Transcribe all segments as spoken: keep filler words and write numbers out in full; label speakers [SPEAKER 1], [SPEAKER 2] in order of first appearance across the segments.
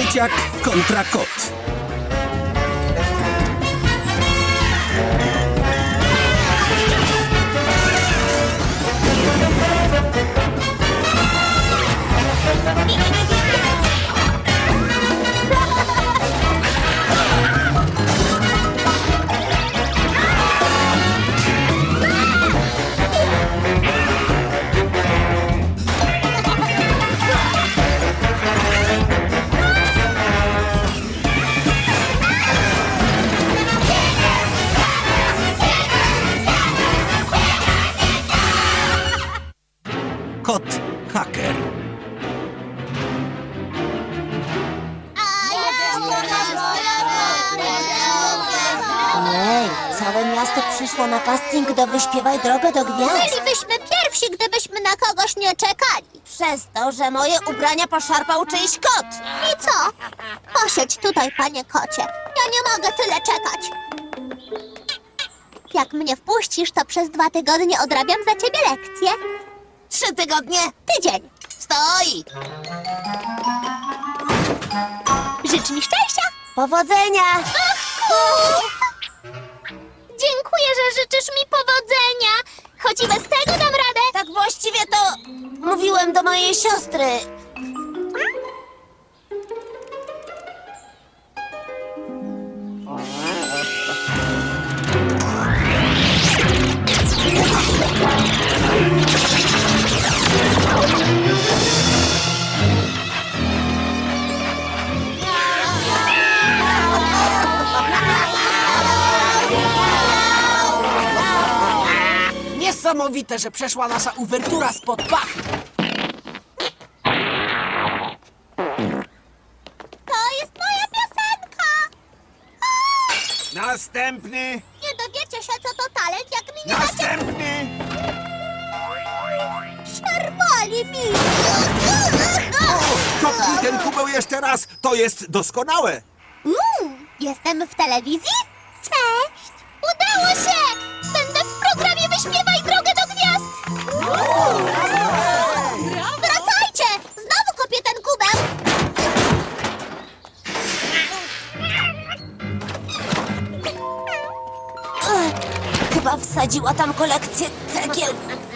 [SPEAKER 1] Dzieciak kontra kot. Kot haker.
[SPEAKER 2] Ej, całe miasto przyszło na casting do Wyśpiewaj drogę do gwiazd.
[SPEAKER 3] Bylibyśmy pierwsi, gdybyśmy na kogoś nie czekali.
[SPEAKER 2] Przez to, że moje ubrania poszarpał czyjś kot.
[SPEAKER 3] I co? Posiedź tutaj, panie kocie. Ja nie mogę tyle czekać. Jak mnie wpuścisz, to przez dwa tygodnie odrabiam za ciebie lekcje.
[SPEAKER 2] Trzy tygodnie.
[SPEAKER 3] Tydzień.
[SPEAKER 2] Stoi.
[SPEAKER 3] Życz mi szczęścia.
[SPEAKER 2] Powodzenia.
[SPEAKER 3] Dziękuję, że życzysz mi powodzenia. Choć i bez tego dam radę.
[SPEAKER 2] Tak właściwie to mówiłem do mojej siostry.
[SPEAKER 4] Niesamowite, że przeszła nasza uwertura spod pachy.
[SPEAKER 3] To jest moja piosenka.
[SPEAKER 5] Następny!
[SPEAKER 3] Nie dowiecie się, co to talent, jak mi nie dacie...
[SPEAKER 5] Następny!
[SPEAKER 3] Przerwali mi.
[SPEAKER 5] Kopnij ten kubeł jeszcze raz! To jest doskonałe!
[SPEAKER 3] Uuu, jestem w telewizji? Cześć! Udało się! Będę w programie Wyśpiewaj drogę do gwiazd! Wracajcie! Znowu kopię ten kubeł!
[SPEAKER 2] Ech, chyba wsadziła tam kolekcję cegieł.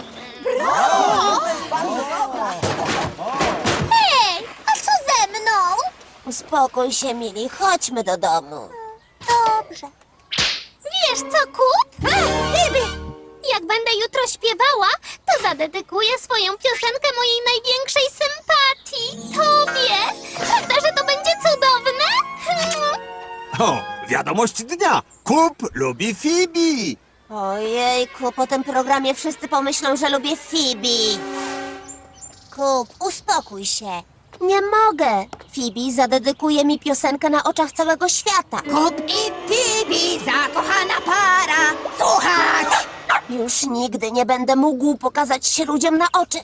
[SPEAKER 3] Hej! A co ze mną?
[SPEAKER 2] Uspokój się, Mili. Chodźmy do domu.
[SPEAKER 3] Dobrze. Wiesz co, Kup? Jak będę jutro śpiewała, to zadedykuję swoją piosenkę mojej największej sympatii. Tobie! Prawda, że to będzie cudowne?
[SPEAKER 5] O, wiadomość dnia! Kup lubi Fibi!
[SPEAKER 2] Ojejku, po tym programie wszyscy pomyślą, że lubię Fibi. Kup, uspokój się. Nie mogę. Fibi zadedykuje mi piosenkę na oczach całego świata.
[SPEAKER 6] Kup i Fibi, zakochana para, słuchać!
[SPEAKER 2] Już nigdy nie będę mógł pokazać się ludziom na oczy.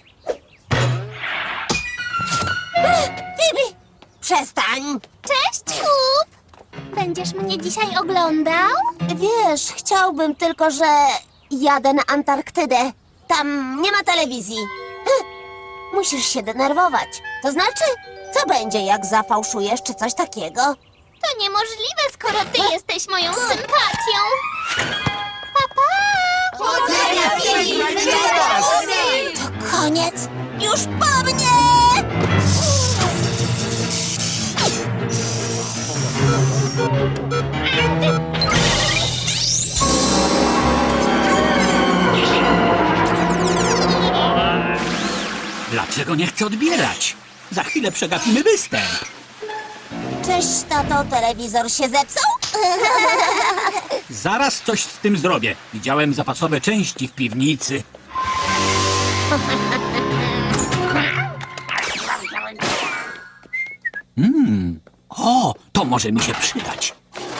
[SPEAKER 2] Ech, Fibi, przestań.
[SPEAKER 3] Cześć, Kup! Będziesz mnie dzisiaj oglądał?
[SPEAKER 2] Wiesz, chciałbym tylko, że jadę na Antarktydę. Tam nie ma telewizji. Ech, musisz się denerwować. To znaczy, co będzie, jak zafałszujesz czy coś takiego?
[SPEAKER 3] To niemożliwe, skoro ty jesteś moją sympatią. Papa!
[SPEAKER 6] Powodzenia, Fibi!
[SPEAKER 2] To koniec. Już po mnie!
[SPEAKER 1] Dlaczego nie chce odbierać? Za chwilę przegapimy występ.
[SPEAKER 2] Cześć, tato. Telewizor się zepsuł?
[SPEAKER 1] Zaraz coś z tym zrobię. Widziałem zapasowe części w piwnicy. Mmm. O, to może mi się przydać.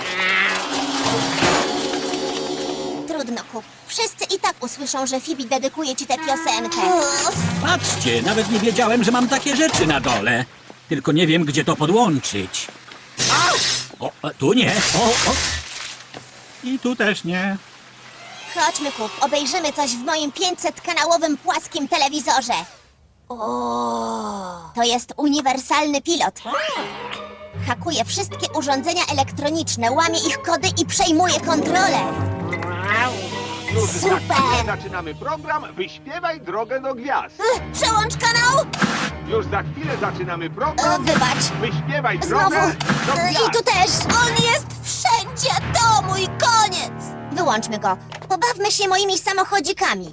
[SPEAKER 3] Trudno, Kup. Wszyscy i tak usłyszą, że Fibi dedykuje ci tę piosenkę.
[SPEAKER 1] Patrzcie, nawet nie wiedziałem, że mam takie rzeczy na dole. Tylko nie wiem, gdzie to podłączyć. O, a tu nie. O, o. I tu też nie.
[SPEAKER 3] Chodźmy, Kup. Obejrzymy coś w moim pięćsetkanałowym płaskim telewizorze.
[SPEAKER 2] O,
[SPEAKER 3] To jest uniwersalny pilot.
[SPEAKER 2] hakuje wszystkie urządzenia elektroniczne, łamie ich kody i przejmuje kontrolę.
[SPEAKER 7] Już za
[SPEAKER 2] Super!
[SPEAKER 7] chwilę zaczynamy program Wyśpiewaj drogę do gwiazd.
[SPEAKER 2] Ech, Przełącz kanał!
[SPEAKER 7] Już za chwilę zaczynamy
[SPEAKER 2] E,
[SPEAKER 7] program
[SPEAKER 2] Wybacz.
[SPEAKER 7] Wyśpiewaj
[SPEAKER 2] Znowu!
[SPEAKER 7] drogę do
[SPEAKER 2] E,
[SPEAKER 7] gwiazd.
[SPEAKER 2] I tu też! On jest wszędzie! To mój koniec! Wyłączmy go. Pobawmy się moimi samochodzikami.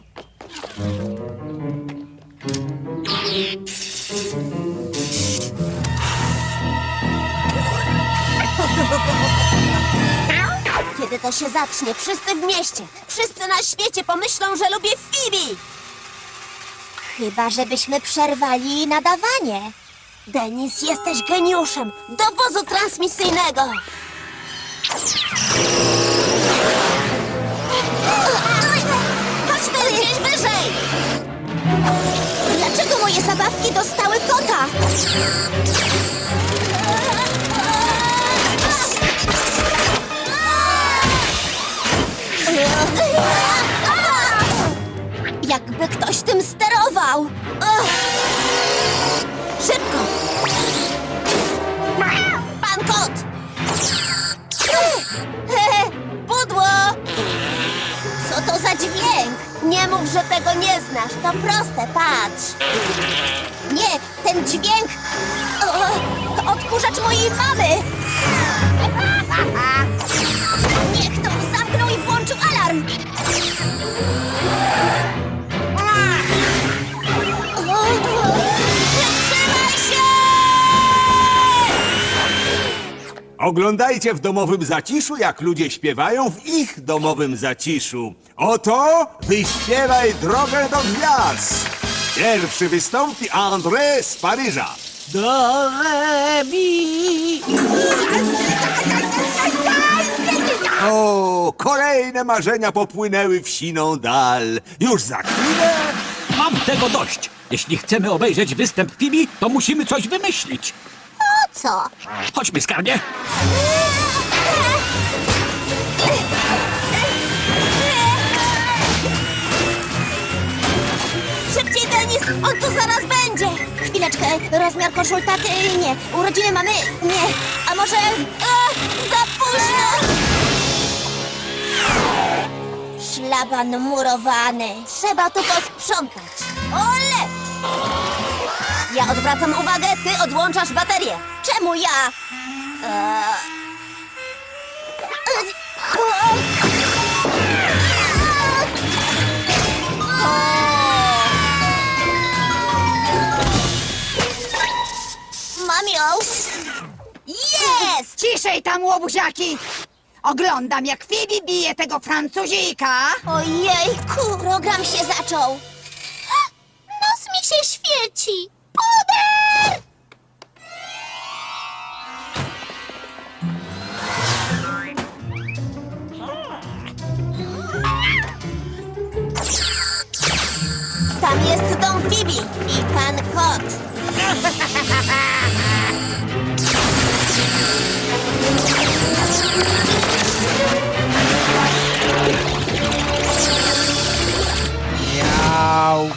[SPEAKER 2] Kiedy to się zacznie? Wszyscy w mieście, wszyscy na świecie pomyślą, że lubię Phoebe! Chyba, żebyśmy przerwali nadawanie. Denis, jesteś geniuszem! Do wozu transmisyjnego! Chodźmy gdzieś wyżej! Dlaczego moje zabawki dostały kota? Jakby ktoś tym sterował! Szybko! Pan kot! Pudło! Co to za dźwięk? Nie mów, że tego nie znasz. To proste, patrz. Nie, ten dźwięk... O, to odkurzacz mojej mamy! Niech to zamknął i włączył alarm! Zatrzymaj się!
[SPEAKER 5] Oglądajcie w domowym zaciszu, jak ludzie śpiewają w ich domowym zaciszu. Oto Wyśpiewaj drogę do gwiazd. Pierwszy wystąpi André z Paryża.
[SPEAKER 1] Do, re, mi.
[SPEAKER 5] O, kolejne marzenia popłynęły w siną dal. Już za chwilę...
[SPEAKER 1] Mam tego dość. Jeśli chcemy obejrzeć występ Phoebe, to musimy coś wymyślić.
[SPEAKER 2] O co?
[SPEAKER 1] Chodźmy, skarbie.
[SPEAKER 2] Szybciej, Denis! On tu zaraz będzie! Chwileczkę, rozmiar koszul taty... Nie, urodziny mamy... Nie, a może... A, za późno! Szlaban murowany. Trzeba tu posprzątać. Ole! Ja odwracam uwagę, ty odłączasz baterię. Czemu ja? Eee... Mam ją! Jest!
[SPEAKER 6] Ciszej tam, łobuziaki! Oglądam, jak Phoebe bije tego Francuzika.
[SPEAKER 2] Ojejku, program się zaczął.
[SPEAKER 3] Nos mi się świeci! Puder!
[SPEAKER 2] Tam jest dom Phoebe i pan kot.
[SPEAKER 8] Miau.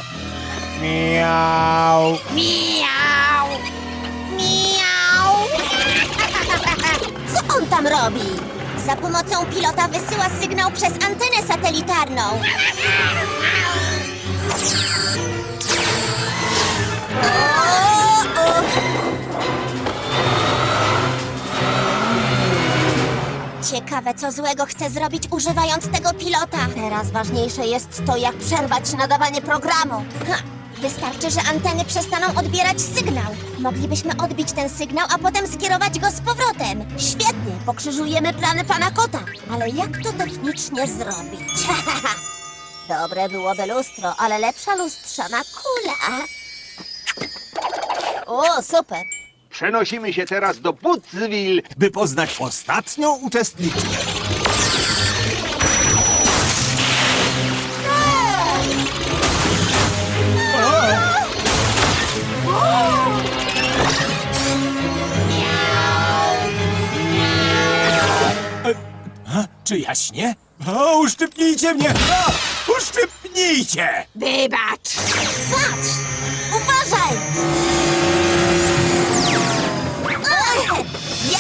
[SPEAKER 8] Miau.
[SPEAKER 6] Miau!
[SPEAKER 2] Miau! Co on tam robi? Za pomocą pilota wysyła sygnał przez antenę satelitarną. O, o. Ciekawe, co złego chce zrobić używając tego pilota. Teraz ważniejsze jest to, jak przerwać nadawanie programu. Ha. Wystarczy, że anteny przestaną odbierać sygnał. Moglibyśmy odbić ten sygnał, a potem skierować go z powrotem. Świetnie, pokrzyżujemy plany pana kota. Ale jak to technicznie zrobić? Dobre byłoby lustro, ale lepsza lustrzana kula. O, super.
[SPEAKER 7] Przenosimy się teraz do Woodsville.
[SPEAKER 5] by poznać ostatnią uczestniczkę.
[SPEAKER 8] Czy jaśnie? O, uszczypnijcie mnie! A, uszczypnijcie!
[SPEAKER 6] Wybacz!
[SPEAKER 2] Patrz! Uważaj! Ech,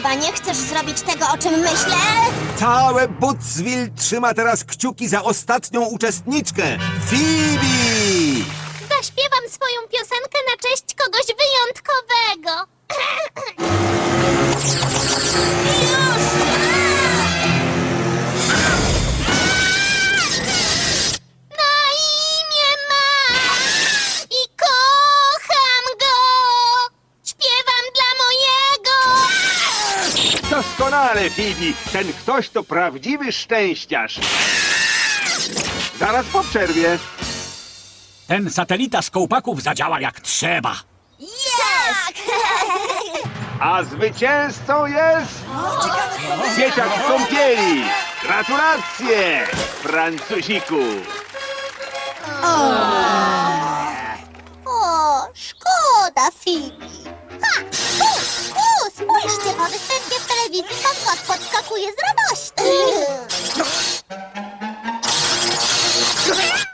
[SPEAKER 2] Chyba nie chcesz zrobić tego, o czym myślę?
[SPEAKER 5] Całe Bootsville trzyma teraz kciuki za ostatnią uczestniczkę, Phoebe!
[SPEAKER 3] Zaśpiewam swoją piosenkę na cześć kogoś wyjątkowego. Na imię ma i kocham go. Śpiewam dla mojego.
[SPEAKER 7] Doskonale, Phoebe. Ten ktoś to prawdziwy szczęściarz. Zaraz po przerwie.
[SPEAKER 1] Ten satelita z kołpaków zadziałał jak trzeba.
[SPEAKER 2] Jest!
[SPEAKER 7] A zwycięzcą jest... Dzieciak w kąpieli. Gratulacje, Francuziku.
[SPEAKER 3] O, szkoda, Phoebe. Ha! U, u, spójrzcie, po występie w telewizji maskot podskakuje z radości.